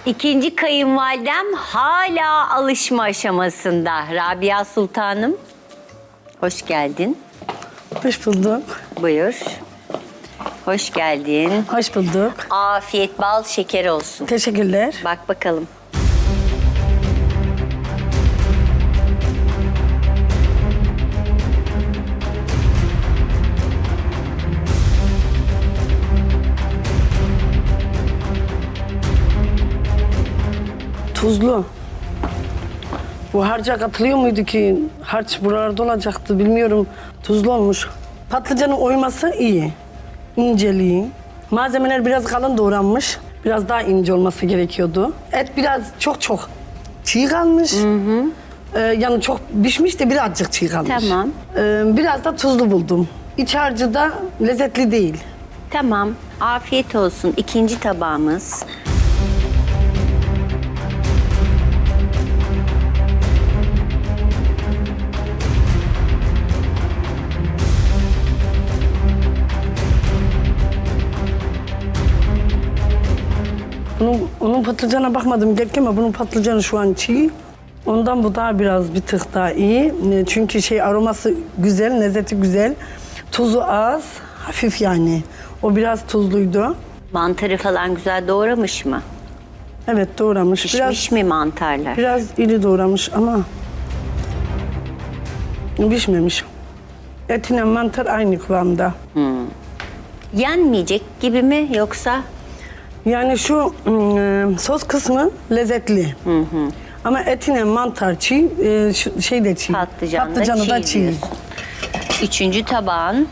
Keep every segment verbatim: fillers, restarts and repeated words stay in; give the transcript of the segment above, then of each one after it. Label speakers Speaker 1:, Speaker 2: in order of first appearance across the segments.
Speaker 1: İkinci kayınvalidem hala alışma aşamasında. Rabia Sultanım, hoş geldin.
Speaker 2: Hoş bulduk.
Speaker 1: Buyur. Hoş geldin.
Speaker 2: Hoş bulduk.
Speaker 1: Afiyet bal şeker olsun.
Speaker 2: Teşekkürler.
Speaker 1: Bak bakalım.
Speaker 2: Tuzlu. Bu harca katılıyor muydu ki? Harç buralarda olacaktı bilmiyorum. Tuzlu olmuş. Patlıcanın oyması iyi. İnceliği. Malzemeler biraz kalın doğranmış. Biraz daha ince olması gerekiyordu. Et biraz çok çok çiğ kalmış. Hı hı. Ee, yani çok pişmiş de birazcık çiğ kalmış.
Speaker 1: Tamam.
Speaker 2: Ee, biraz da tuzlu buldum. İç harcı da lezzetli değil.
Speaker 1: Tamam. Afiyet olsun. İkinci tabağımız.
Speaker 2: Bunun, onun patlıcana bakmadım gerçi ama bunun patlıcanı şu an çiğ. Ondan bu daha biraz bir tık daha iyi. Çünkü şey aroması güzel, lezzeti güzel. Tuzu az, hafif yani. O biraz tuzluydu.
Speaker 1: Mantarı falan güzel doğramış mı?
Speaker 2: Evet doğramış.
Speaker 1: Pişmiş
Speaker 2: Biraz,
Speaker 1: mi mantarlar?
Speaker 2: biraz iri doğramış ama pişmemiş. Etine mantar aynı kıvamda.
Speaker 1: Yenmeyecek gibi mi yoksa?
Speaker 2: Yani şu ım, sos kısmı lezzetli. Hı hı. Ama etine mantar çiğ, e, şu- şey de çiğ.
Speaker 1: Patlıcan da
Speaker 2: Patlıcanı
Speaker 1: çiğ
Speaker 2: da çiğ.
Speaker 1: diyorsun. Üçüncü tabağın.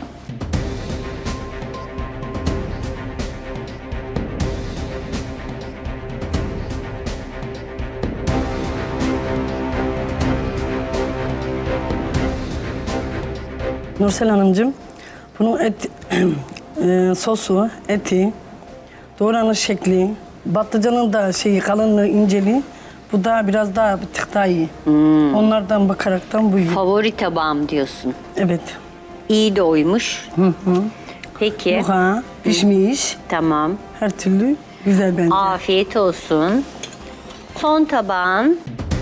Speaker 2: Nursel Hanımcığım, bunun et, e, sosu, eti, doğranış şekli, patlıcanın da şeyi kalınlığı, inceliği, bu da biraz daha bir tık daha iyi. Onlardan bakaraktan bu iyi.
Speaker 1: Favori tabağım diyorsun.
Speaker 2: Evet.
Speaker 1: İyi de oymuş. Peki.
Speaker 2: Yuha, pişmiş,
Speaker 1: Tamam.
Speaker 2: her türlü güzel bence.
Speaker 1: Afiyet olsun. Son tabağın.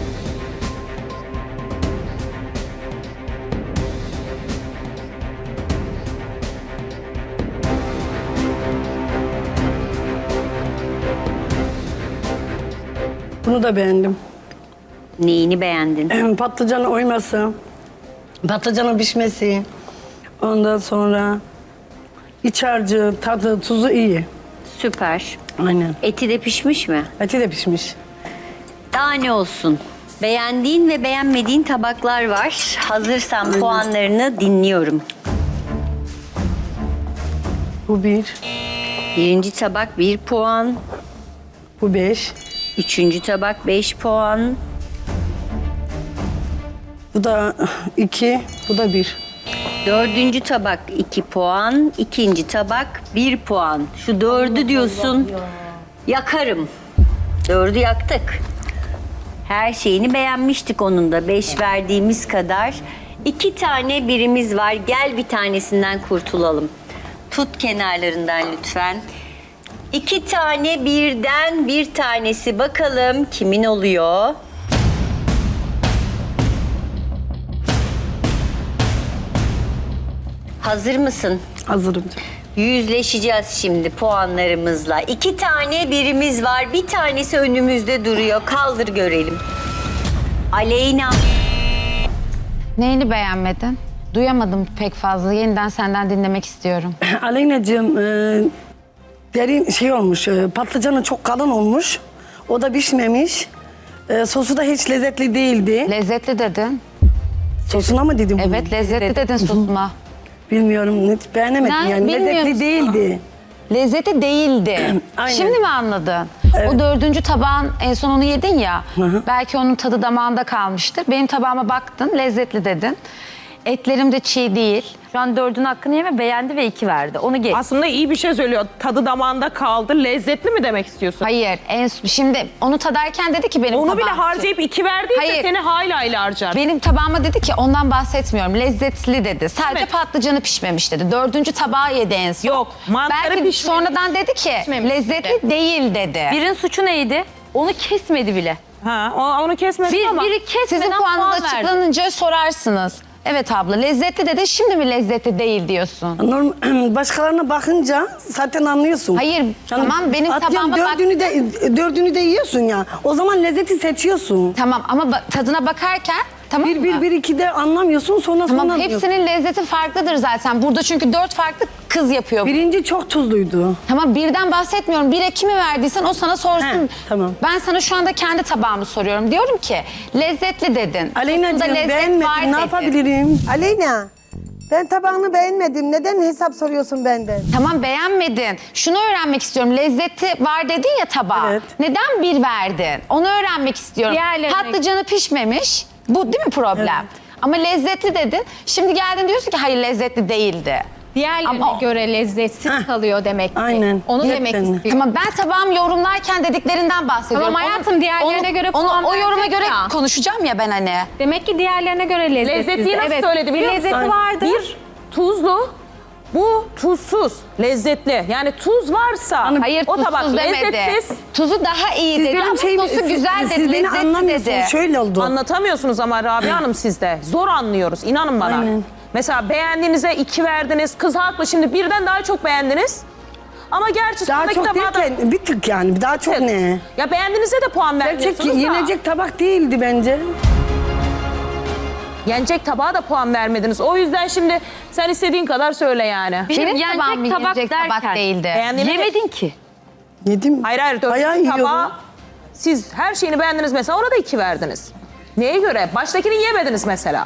Speaker 2: Bunu da beğendim.
Speaker 1: Neyini beğendin?
Speaker 2: Patlıcanın oyması, patlıcanın pişmesi, ondan sonra iç harcı, tadı, tuzu iyi.
Speaker 1: Süper.
Speaker 2: Aynen.
Speaker 1: Eti de pişmiş mi?
Speaker 2: Eti de pişmiş.
Speaker 1: Daha ne olsun? Beğendiğin ve beğenmediğin tabaklar var. Hazırsan puanlarını dinliyorum.
Speaker 2: Bu bir,
Speaker 1: Birinci tabak bir puan.
Speaker 2: bu beş,
Speaker 1: Üçüncü tabak beş puan.
Speaker 2: bu da iki, bu da bir.
Speaker 1: Dördüncü tabak iki puan. İkinci tabak bir puan. Şu dördü diyorsun. Yakarım. Dördü yaktık. Her şeyini beğenmiştik onun da. Beş verdiğimiz kadar. İki tane birimiz var. Gel bir tanesinden kurtulalım. Tut kenarlarından lütfen. İki tane birden bir tanesi. Bakalım kimin oluyor? Hazır mısın?
Speaker 2: Hazırım.
Speaker 1: Yüzleşeceğiz şimdi puanlarımızla. İki tane birimiz var. Bir tanesi önümüzde duruyor. Kaldır görelim. Aleyna.
Speaker 3: Neyini beğenmedin? Duyamadım pek fazla. Yeniden senden dinlemek istiyorum.
Speaker 2: Aleyna'cığım, e, derin şey olmuş, e, patlıcanı çok kalın olmuş. O da pişmemiş. E, sosu da hiç lezzetli değildi.
Speaker 3: Lezzetli dedin.
Speaker 2: Sosuna mı dedim bunu?
Speaker 3: Evet, lezzetli dedin sosuma.
Speaker 2: Bilmiyorum, hiç beğenemedim
Speaker 3: Ne?
Speaker 2: yani.
Speaker 3: Bilmiyor
Speaker 2: Lezzetli
Speaker 3: musun?
Speaker 2: değildi.
Speaker 3: Lezzetli değildi.
Speaker 2: Aynen.
Speaker 3: Şimdi mi anladın? O dördüncü tabağın en son onu yedin ya.
Speaker 2: hı.
Speaker 3: Belki onun tadı damağında kalmıştır. Benim tabağıma baktın, lezzetli dedin. Etlerim de çiğ değil.
Speaker 4: Şu an dördün hakkını yeme, beğendi ve iki verdi. Onu geç.
Speaker 5: Aslında iyi bir şey söylüyor. Tadı damağında kaldı. Lezzetli mi demek istiyorsun?
Speaker 3: Hayır, en, şimdi onu tadarken dedi ki benim
Speaker 5: Onu bile
Speaker 3: tabağım-
Speaker 5: harcayıp iki verdiyse
Speaker 3: Hayır.
Speaker 5: seni hayli hayli harcar.
Speaker 3: Benim tabağıma dedi ki ondan bahsetmiyorum. Lezzetli dedi. Sadece
Speaker 5: Evet.
Speaker 3: patlıcanı pişmemiş dedi. Dördüncü tabağı yedi en son.
Speaker 5: Yok, mantarı
Speaker 3: Belki
Speaker 5: pişmemiş.
Speaker 3: sonradan dedi ki
Speaker 4: Pişmemiş
Speaker 3: lezzetli değil dedi.
Speaker 4: Birin suçu neydi? Onu kesmedi bile.
Speaker 5: Ha, o- onu kesmedin
Speaker 4: Bir,
Speaker 5: ama.
Speaker 4: biri kesmeden
Speaker 3: Sizin
Speaker 4: puan
Speaker 3: puanınız
Speaker 4: verdi.
Speaker 3: açıklanınca sorarsınız. Evet abla lezzetli dedi, şimdi mi lezzetli değil diyorsun?
Speaker 2: Norm başkalarına bakınca zaten anlıyorsun.
Speaker 3: Hayır, tamam, benim
Speaker 2: atıyorum,
Speaker 3: tabağıma bak-
Speaker 2: dördünü de dördünü de yiyorsun ya. O zaman lezzeti seçiyorsun.
Speaker 3: Tamam ama ba- tadına bakarken tamam
Speaker 2: Bir
Speaker 3: mı?
Speaker 2: bir bir iki de anlamıyorsun sonra sonra
Speaker 3: Tamam,
Speaker 2: anlıyorsun.
Speaker 3: hepsinin lezzeti farklıdır zaten. Burada çünkü dört farklı kız yapıyor.
Speaker 2: Birinci çok tuzluydu.
Speaker 3: Tamam, birden bahsetmiyorum. Bire kimi verdiysen o sana sorsun.
Speaker 2: He, tamam.
Speaker 3: Ben sana şu anda kendi tabağımı soruyorum. Diyorum ki lezzetli dedin.
Speaker 2: Aleyna'cığım
Speaker 3: Tuzunda lezzet var
Speaker 2: beğenmedim ne
Speaker 3: dedin.
Speaker 2: yapabilirim?
Speaker 6: Aleyna, ben tabağını beğenmedim. Neden hesap soruyorsun benden?
Speaker 3: Tamam, beğenmedin. Şunu öğrenmek istiyorum. Lezzeti var dedin ya tabağa.
Speaker 2: Evet.
Speaker 3: Neden bir verdin? Onu öğrenmek istiyorum.
Speaker 4: Diğerlerine-
Speaker 3: Patlıcanı pişmemiş. Bu değil mi problem? Ama lezzetli dedin. Şimdi geldin diyorsun ki hayır lezzetli değildi.
Speaker 7: Diğerlerine
Speaker 3: Ama-
Speaker 7: göre lezzetsiz
Speaker 2: Heh.
Speaker 7: kalıyor demek ki.
Speaker 2: Aynen.
Speaker 7: Onu
Speaker 2: Hep
Speaker 7: demek
Speaker 2: benden.
Speaker 7: istiyorum.
Speaker 3: Tamam, ben tabağımı yorumlarken dediklerinden bahsediyorum.
Speaker 7: Tamam hayatım, diğerlerine göre
Speaker 3: onu,
Speaker 7: puan
Speaker 3: o yoruma
Speaker 7: verecek
Speaker 3: göre
Speaker 7: ya.
Speaker 3: konuşacağım ya ben hani.
Speaker 7: Demek ki diğerlerine göre lezzetsiz.
Speaker 5: Lezzetliyi nasıl
Speaker 7: evet.
Speaker 5: söyledi biliyor
Speaker 7: Bir
Speaker 5: musun?
Speaker 7: lezzeti vardır.
Speaker 5: Bir tuzlu, bu tuzsuz, lezzetli. Yani tuz varsa
Speaker 3: Hayır,
Speaker 5: o tabak
Speaker 3: tuzsuz demedi.
Speaker 5: lezzetsiz.
Speaker 3: Tuzu daha iyi
Speaker 2: Siz
Speaker 3: dedi
Speaker 2: benim
Speaker 3: ama
Speaker 2: şeyimi-
Speaker 3: sosu güzel
Speaker 2: siz,
Speaker 3: dedi,
Speaker 2: siz beni
Speaker 3: lezzetli
Speaker 2: anlamıyorsunuz.
Speaker 3: dedi.
Speaker 2: Şöyle oldu.
Speaker 5: Anlatamıyorsunuz ama Rabia Hanım sizde. Zor anlıyoruz, inanın bana.
Speaker 2: Aynen.
Speaker 5: Mesela beğendiğinize iki verdiniz, kız haklı. Şimdi birden daha çok beğendiniz. Ama gerçi
Speaker 2: Daha
Speaker 5: sondaki
Speaker 2: çok
Speaker 5: tabağa da...
Speaker 2: derken bir tık yani daha çok ne?
Speaker 5: Ya beğendiğinize de puan
Speaker 2: Gerçek
Speaker 5: vermiyorsunuz da.
Speaker 2: yenecek tabak değildi bence.
Speaker 5: Yenecek tabağa da puan vermediniz. O yüzden şimdi sen istediğin kadar söyle yani.
Speaker 4: Bir şey
Speaker 3: Benim
Speaker 4: yenecek
Speaker 3: tabağım
Speaker 4: tabak
Speaker 3: yenecek tabak
Speaker 4: derken-
Speaker 3: değildi.
Speaker 5: Beğendiğine de-
Speaker 4: Yemedin ki.
Speaker 2: Yedim.
Speaker 5: Hayır hayır
Speaker 2: Bayağı
Speaker 5: dördüncü
Speaker 2: yiyorum.
Speaker 5: tabağa siz her şeyini beğendiniz mesela ona da iki verdiniz. Neye göre? Baştakini yemediniz mesela.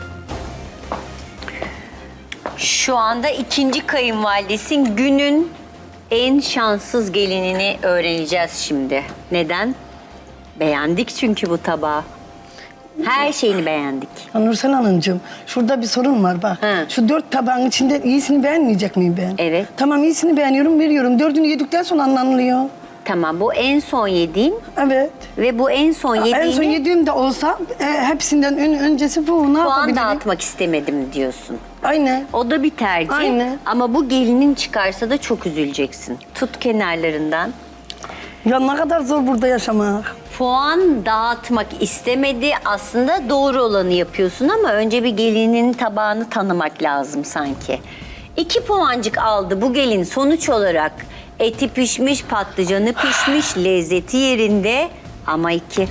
Speaker 1: Şu anda ikinci kayınvalidesin, günün en şanssız gelinini öğreneceğiz şimdi. Neden? Beğendik çünkü bu tabağı. Her şeyini beğendik.
Speaker 2: Nursel Hanımcığım şurada bir sorun var bak.
Speaker 1: Hı.
Speaker 2: Şu dört tabağın içinde iyisini beğenmeyecek miyim ben?
Speaker 1: Evet.
Speaker 2: Tamam iyisini beğeniyorum veriyorum. Dördünü yedikten sonra anlanılıyor.
Speaker 1: Tamam, bu en son yediğim
Speaker 2: Evet.
Speaker 1: ve bu en son yediğini
Speaker 2: En son yediğim de olsa e, hepsinden ön, öncesi bu. Ne
Speaker 1: puan
Speaker 2: yapabilirim?
Speaker 1: dağıtmak istemedim diyorsun.
Speaker 2: Aynen.
Speaker 1: O da bir tercih.
Speaker 2: Aynen.
Speaker 1: Ama bu gelinin çıkarsa da çok üzüleceksin. Tut kenarlarından.
Speaker 2: Ya ne kadar zor burada yaşamak.
Speaker 1: Puan dağıtmak istemedi. Aslında doğru olanı yapıyorsun ama önce bir gelinin tabağını tanımak lazım sanki. İki puancık aldı bu gelin sonuç olarak. Eti pişmiş, patlıcanı pişmiş, lezzeti yerinde ama iki.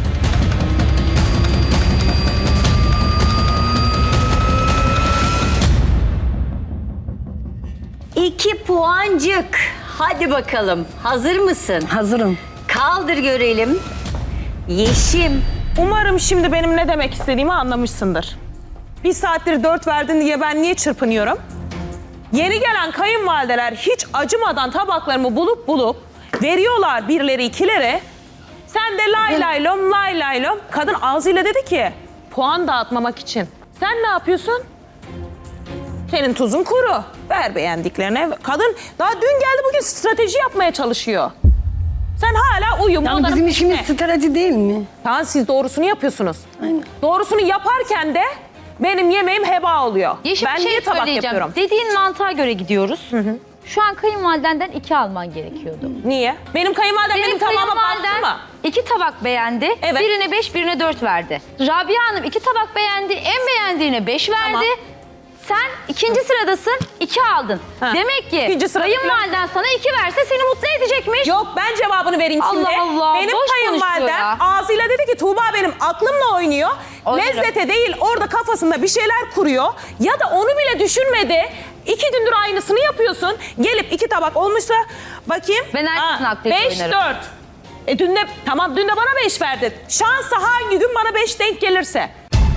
Speaker 1: İki puancık. Hadi bakalım. Hazır mısın?
Speaker 2: Hazırım.
Speaker 1: Kaldır görelim. Yeşim.
Speaker 5: Umarım şimdi benim ne demek istediğimi anlamışsındır. Bir saattir dört verdin diye ben niye çırpınıyorum? Yeni gelen kayınvalideler hiç acımadan tabaklarımı bulup bulup veriyorlar birileri ikilere. Sen de lay lay lom lay lay lom. Kadın ağzıyla dedi ki puan dağıtmamak için. Sen ne yapıyorsun? Senin tuzun kuru. Ver beğendiklerine. Kadın daha dün geldi bugün strateji yapmaya çalışıyor. Sen hala uyum.
Speaker 2: Yani
Speaker 5: onların
Speaker 2: bizim işimiz
Speaker 5: peşine.
Speaker 2: strateji değil mi?
Speaker 5: Tamam siz doğrusunu yapıyorsunuz.
Speaker 2: Aynen.
Speaker 5: Doğrusunu yaparken de benim yemeğim heba oluyor.
Speaker 4: Yeşim
Speaker 5: ben
Speaker 4: bir şey
Speaker 5: niye tabak
Speaker 4: söyleyeceğim.
Speaker 5: yapıyorum?
Speaker 4: Dediğin mantığa göre gidiyoruz. Şu an kayınvalidenden iki alman gerekiyordu.
Speaker 5: Niye? Benim kayınvalidem benim, tabağıma baktı mı?
Speaker 4: iki tabak beğendi.
Speaker 5: Evet.
Speaker 4: Birine beş, birine dört verdi. Rabia Hanım iki tabak beğendi. En beğendiğine beş verdi.
Speaker 5: Tamam.
Speaker 4: Sen ikinci sıradasın, iki aldın.
Speaker 5: Ha.
Speaker 4: Demek ki
Speaker 5: İkinci sırada-
Speaker 4: kayınvaliden sana iki verse seni mutlu edecekmiş.
Speaker 5: Yok ben cevabını vereyim şimdi.
Speaker 4: Allah Allah,
Speaker 5: Benim
Speaker 4: boş konuşuyor
Speaker 5: kayınvalidem
Speaker 4: ya.
Speaker 5: ağzıyla dedi ki Tuğba benim aklımla oynuyor.
Speaker 4: Oynarım.
Speaker 5: Lezzete değil orada kafasında bir şeyler kuruyor. Ya da onu bile düşünmedi. İki gündür aynısını yapıyorsun. Gelip iki tabak olmuşsa bakayım.
Speaker 4: Ben herkesin hakkıyla
Speaker 5: beş
Speaker 4: oynarım.
Speaker 5: dört. E dün de tamam dün de bana beş verdi. Şansa hangi gün bana beş denk gelirse.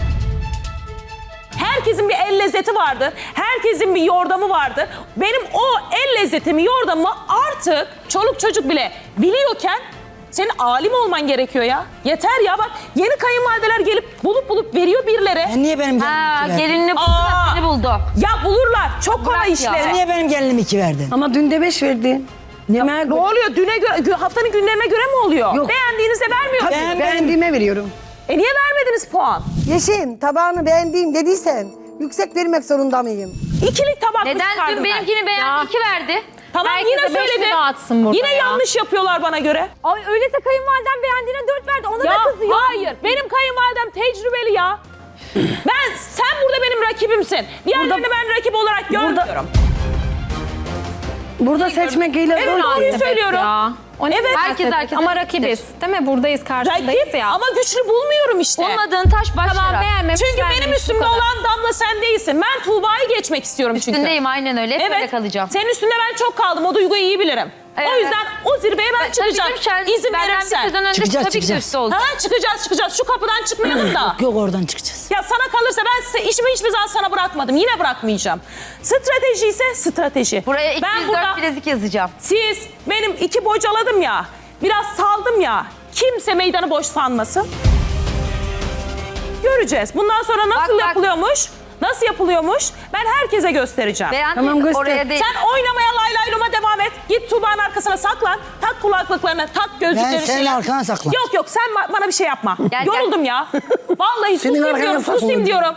Speaker 5: Herkesin bir el lezzeti vardır. Herkesin bir yordamı vardır. Benim o el lezzetimi, yordamımı artık çoluk çocuk bile biliyorken senin alim olman gerekiyor ya. Yeter ya bak yeni kayınvalideler gelip bulup bulup veriyor birileri.
Speaker 8: Ben niye benim
Speaker 4: Ha,
Speaker 8: gelinimi iki verdin?
Speaker 4: gelinini buldu
Speaker 5: Aa.
Speaker 4: da seni buldu.
Speaker 5: Ya bulurlar. Çok kolay
Speaker 4: Bırak ya.
Speaker 5: işleri.
Speaker 8: Sen niye benim gelinimi iki verdin?
Speaker 2: Ama dün de beş verdin. Yemeğe
Speaker 5: Ne oluyor? Düne göre, gü- haftanın günlerine göre mi oluyor?
Speaker 2: Yok.
Speaker 5: Beğendiğinizde vermiyor
Speaker 2: Tabii
Speaker 5: musunuz?
Speaker 8: Ben-
Speaker 2: beğendiğime veriyorum.
Speaker 5: E niye vermediniz puan?
Speaker 6: Yeşim, tabağını beğendiğim dediysen yüksek vermek zorunda mıyım?
Speaker 5: İkilik tabak mı
Speaker 4: Neden
Speaker 5: çıkardım
Speaker 4: dün
Speaker 5: ben?
Speaker 4: benimkini beğendi, iki verdi.
Speaker 5: Tamam
Speaker 7: Herkese
Speaker 5: yine
Speaker 7: beş mi
Speaker 5: söyledim.
Speaker 7: dağıtsın burada
Speaker 5: Yine
Speaker 7: ya?
Speaker 5: yanlış yapıyorlar bana göre.
Speaker 4: Ay öyleyse kayınvaliden beğendiğine dört verdi. Ona
Speaker 5: Ya
Speaker 4: da kızıyor.
Speaker 5: hayır, benim kayınvalidem tecrübeli ya. Ben, sen burada benim rakibimsin. Diğerlerini ben rakip olarak görmüyorum.
Speaker 2: Burada seçmek ile
Speaker 5: Evet, doğruyu söylüyorum.
Speaker 7: Ya. O ne
Speaker 5: Evet.
Speaker 7: herkes herkes ama rakibiz. Değil mi? Buradayız, karşındayız
Speaker 5: Rakip
Speaker 7: ya.
Speaker 5: ama güçlü bulmuyorum işte.
Speaker 4: Olmadığın taş baş
Speaker 7: Tamam,
Speaker 4: yarar.
Speaker 7: beğenmemiş.
Speaker 5: Çünkü benim
Speaker 7: beğenmemiş,
Speaker 5: üstümde
Speaker 7: bu kadar.
Speaker 5: olan Damla sen değilsin. Ben Tuğba'yı geçmek istiyorum çünkü.
Speaker 4: Üstündeyim aynen öyle. Hep böyle
Speaker 5: Evet.
Speaker 4: kalacağım.
Speaker 5: Senin üstünde ben çok kaldım. O duyguyu iyi bilirim.
Speaker 4: Evet.
Speaker 5: O yüzden o zirveye ben çıkacağım.
Speaker 4: Tabii canım,
Speaker 5: İzin
Speaker 4: benden bir
Speaker 5: verirsen.
Speaker 4: sezon önce
Speaker 8: Çıkacağız,
Speaker 4: tabii ki
Speaker 8: çıkacağız.
Speaker 4: üstü olacak.
Speaker 5: Ha, çıkacağız çıkacağız. Şu kapıdan çıkmayalım da.
Speaker 8: Yok oradan çıkacağız.
Speaker 5: Ya sana kalırsa ben size işimi hiçbir zaman sana bırakmadım. Yine bırakmayacağım. Strateji ise strateji.
Speaker 4: Buraya
Speaker 5: ben
Speaker 4: iki yüz
Speaker 5: burada
Speaker 4: dört bilezik yazacağım.
Speaker 5: siz benim iki bocaladım ya. Biraz saldım ya. Kimse meydanı boş sanmasın. Göreceğiz. Bundan sonra nasıl
Speaker 4: Bak, bak.
Speaker 5: yapılıyormuş? Nasıl yapılıyormuş? Ben herkese göstereceğim.
Speaker 4: Beğendim
Speaker 2: Tamam, göster.
Speaker 4: oraya değil.
Speaker 5: Sen oynamaya lay lay luma devam et. Git Tuğba'nın arkasına saklan. Tak kulaklıklarını, tak gözlüklerini.
Speaker 8: Ben senin
Speaker 5: şeyler.
Speaker 8: arkana saklan.
Speaker 5: Yok yok sen ba- bana bir şey yapma.
Speaker 4: Gel,
Speaker 5: Yoruldum ya. Vallahi
Speaker 2: Senin
Speaker 5: susayım
Speaker 2: arkana
Speaker 5: diyorum, susayım
Speaker 2: saklan.
Speaker 5: diyorum.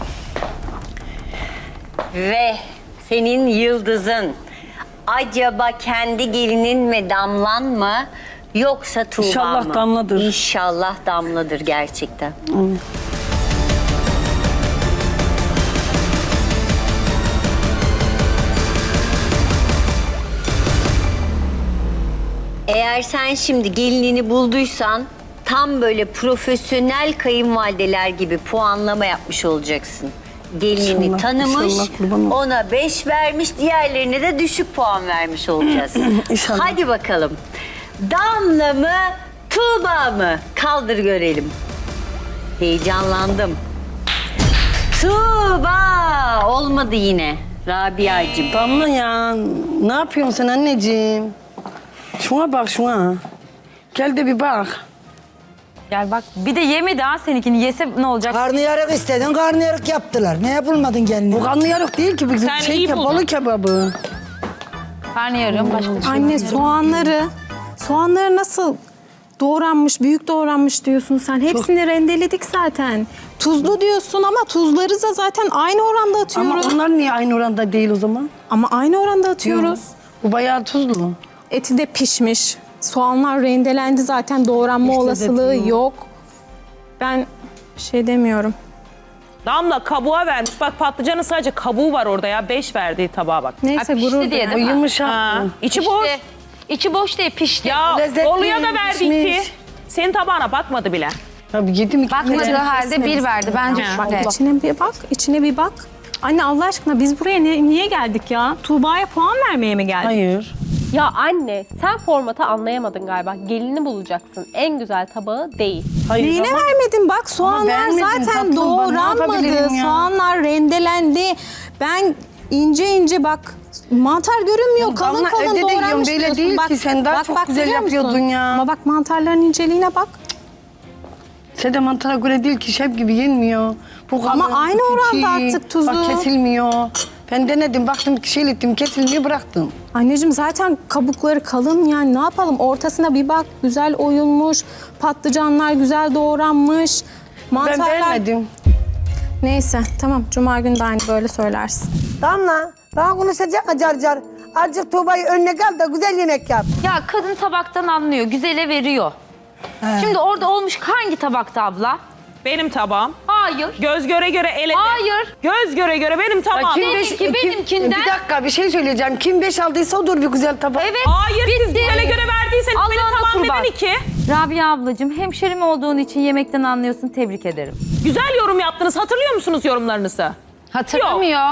Speaker 1: Ve senin yıldızın acaba kendi gelinin mi Damlan mı yoksa Tuğba
Speaker 2: İnşallah
Speaker 1: mı?
Speaker 2: Damladır.
Speaker 1: İnşallah Damladır gerçekten. Eğer sen şimdi gelinini bulduysan tam böyle profesyonel kayınvalideler gibi puanlama yapmış olacaksın. Gelinini
Speaker 2: İnşallah,
Speaker 1: tanımış,
Speaker 2: inşallah, kurban ol.
Speaker 1: ona beş vermiş, diğerlerine de düşük puan vermiş olacağız.
Speaker 2: İnşallah.
Speaker 1: Hadi bakalım. Damla mı, Tuğba mı? Kaldır görelim. Heyecanlandım. Tuğba! Olmadı yine. Rabia'cığım.
Speaker 2: Damla ya, ne yapıyorsun sen anneciğim? Şuna bak şuna. Gel de bir bak.
Speaker 4: Gel bak bir de yemedi ha seninkini. Yese ne olacak?
Speaker 8: Karnıyarık istedin, karnıyarık yaptılar. Ne yapılmadın kendine?
Speaker 2: Bu karnıyarık değil ki. Bizim
Speaker 5: Sen
Speaker 2: şey
Speaker 5: iyi
Speaker 2: ke-
Speaker 5: buldun.
Speaker 2: balık kebabı.
Speaker 4: Karnıyarım başka bir şey.
Speaker 7: Anne soğanları, soğanları nasıl doğranmış, büyük doğranmış diyorsun sen. Hepsini rendeledik zaten. Tuzlu diyorsun ama tuzları da zaten aynı oranda
Speaker 2: Ama
Speaker 7: atıyoruz.
Speaker 2: onlar niye aynı oranda değil o zaman?
Speaker 7: Ama aynı oranda atıyoruz.
Speaker 2: Bu bayağı tuzlu.
Speaker 7: Eti de pişmiş. Soğanlar rendelendi zaten, doğranma
Speaker 2: İşte
Speaker 7: olasılığı
Speaker 2: dedim.
Speaker 7: yok. Ben bir şey demiyorum.
Speaker 5: Damla kabuğa vermiş. Bak patlıcanın sadece kabuğu var orada ya. Beş verdiği tabağa bak.
Speaker 7: Neyse
Speaker 4: pişti
Speaker 7: gurur
Speaker 4: diye
Speaker 2: O
Speaker 4: değil mi?
Speaker 2: yumuşak.
Speaker 5: Ha, içi boş.
Speaker 4: İşte, içi boş değil pişti.
Speaker 5: Ya
Speaker 2: Lezzetli,
Speaker 5: Bolu'ya da verdi
Speaker 2: pişmiş.
Speaker 5: iki. Senin tabağına bakmadı bile.
Speaker 2: Tabii yedim iki
Speaker 3: Bakmadığı
Speaker 2: kere.
Speaker 3: halde bir verdi. Bence
Speaker 5: Ha.
Speaker 3: şöyle.
Speaker 7: İçine bir bak, içine bir bak. Anne Allah aşkına biz buraya ne- niye geldik ya? Tuğba'ya puan vermeye mi geldik?
Speaker 2: Hayır.
Speaker 9: Ya anne sen formatı anlayamadın galiba. Gelini bulacaksın. En güzel tabağı değil.
Speaker 2: Hayır.
Speaker 7: Neyine
Speaker 2: ama-
Speaker 7: vermedin? Bak soğanlar
Speaker 2: beğenmedim
Speaker 7: zaten
Speaker 2: tatlım, ben ne
Speaker 7: doğranmadı.
Speaker 2: yapabilirim ya?
Speaker 7: Soğanlar rendelendi. Ben ince ince bak mantar görünmüyor.
Speaker 2: Ya
Speaker 7: kalın
Speaker 2: Damla,
Speaker 7: kalın
Speaker 2: evde de
Speaker 7: doğranmış
Speaker 2: yiyorum, böyle
Speaker 7: diyorsun.
Speaker 2: değil
Speaker 7: bak,
Speaker 2: ki. Sen daha çok güzel
Speaker 7: görüyor musun?
Speaker 2: yapıyordun ya.
Speaker 7: Ama bak mantarların inceliğine bak.
Speaker 2: Sen de mantara göre değil ki, şef gibi yenmiyor. Bu
Speaker 7: Ama
Speaker 2: kalın,
Speaker 7: aynı
Speaker 2: bu
Speaker 7: oranda
Speaker 2: çiğ.
Speaker 7: attık tuzu.
Speaker 2: Bak kesilmiyor. Ben denedim, baktım şey ettim, kesilmiyor, bıraktım.
Speaker 7: Anneciğim zaten kabukları kalın, yani ne yapalım, ortasına bir bak, güzel oyulmuş, patlıcanlar güzel doğranmış,
Speaker 2: Ben
Speaker 7: mantarlar...
Speaker 2: beğenmedim.
Speaker 7: Neyse tamam, cuma günü de aynı böyle söylersin.
Speaker 6: Damla, bana konuşacak mı car car? Azıcık Tuğba'yı önüne kal da güzel yemek yap.
Speaker 4: Ya kadın tabaktan anlıyor. Güzele veriyor. Şimdi orada olmuş hangi tabakta abla?
Speaker 5: Benim tabağım.
Speaker 4: Hayır.
Speaker 5: Göz göre göre eledi.
Speaker 4: Hayır.
Speaker 5: Göz göre göre benim tabağım.
Speaker 4: kim beş- Seninki benimkinden-
Speaker 2: Bir dakika, bir şey söyleyeceğim. Kim beş aldıysa odur bir güzel tabak.
Speaker 4: Evet.
Speaker 5: Hayır siz
Speaker 4: bitti.
Speaker 5: güzele göre verdiyseniz benim
Speaker 4: Allah'ına
Speaker 5: tabağım
Speaker 4: kurban.
Speaker 5: neden iki?
Speaker 10: Rabia ablacığım, hemşerim olduğun için yemekten anlıyorsun. Tebrik ederim.
Speaker 5: Güzel yorum yaptınız. Hatırlıyor musunuz yorumlarınızı?
Speaker 3: Hatırlamıyor.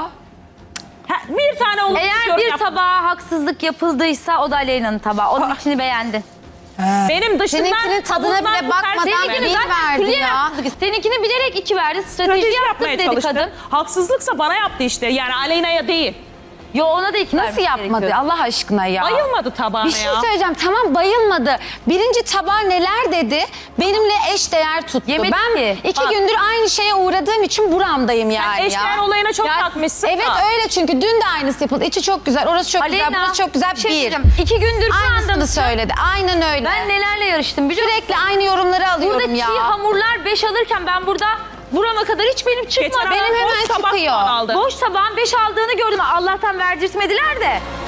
Speaker 5: Ha, bir tane olumsuz
Speaker 4: Eğer
Speaker 5: yorum
Speaker 4: bir
Speaker 5: yaptım.
Speaker 4: tabağa haksızlık yapıldıysa o da Aleyna'nın tabağı. Onun içini beğendin.
Speaker 5: Benim dışından
Speaker 3: Seninkinin tadına
Speaker 5: kabuklar
Speaker 3: bile
Speaker 5: bu
Speaker 3: bakmadan
Speaker 5: tersine
Speaker 3: bir
Speaker 5: mi?
Speaker 3: verdi
Speaker 4: külliyen
Speaker 3: ya.
Speaker 4: haksızlık. Seninkini bilerek iki verdi. Strateji,
Speaker 5: Strateji
Speaker 4: yaptık
Speaker 5: yapmaya
Speaker 4: dedi
Speaker 5: çalıştı.
Speaker 4: kadın.
Speaker 5: Haksızlıksa bana yaptı işte. Yani Aleyna'ya değil.
Speaker 4: Yo ona da iki
Speaker 3: Nasıl
Speaker 4: vermesi
Speaker 3: yapmadı
Speaker 4: gerekiyordu.
Speaker 3: Allah aşkına ya?
Speaker 5: Bayılmadı tabağına
Speaker 3: Bir şey
Speaker 5: ya.
Speaker 3: söyleyeceğim. Tamam bayılmadı. Birinci tabağa neler dedi? Benimle eş değer tuttu.
Speaker 4: Yemedi
Speaker 3: ben
Speaker 4: ki.
Speaker 3: iki
Speaker 4: Bak.
Speaker 3: gündür aynı şeye uğradığım için buramdayım yani
Speaker 5: Eşdeğer
Speaker 3: ya.
Speaker 5: olayına çok
Speaker 4: Ya,
Speaker 5: takmışsın
Speaker 3: Evet
Speaker 5: da.
Speaker 3: öyle çünkü dün de aynısı yapıldı. İçi çok güzel, orası çok güzel,
Speaker 4: Aleyna,
Speaker 3: burası çok güzel.
Speaker 4: bir şey
Speaker 3: Bir.
Speaker 4: diyeceğim. İki gündür şu
Speaker 3: Aynısını
Speaker 4: anda
Speaker 3: söyledi. Aynen öyle.
Speaker 4: ben nelerle yarıştım biliyor musun?
Speaker 3: Sürekli aynı yorumları alıyorum
Speaker 4: Burada
Speaker 3: ya.
Speaker 4: çiğ hamurlar beş alırken ben burada burama kadar hiç benim çıkmadı.
Speaker 5: Geçen
Speaker 3: Benim
Speaker 5: hafta
Speaker 3: hemen
Speaker 5: boş tabak
Speaker 3: çıkıyor.
Speaker 5: aldı.
Speaker 4: Boş tabağın beş aldığını gördüm. Allah'tan verdirtmediler de.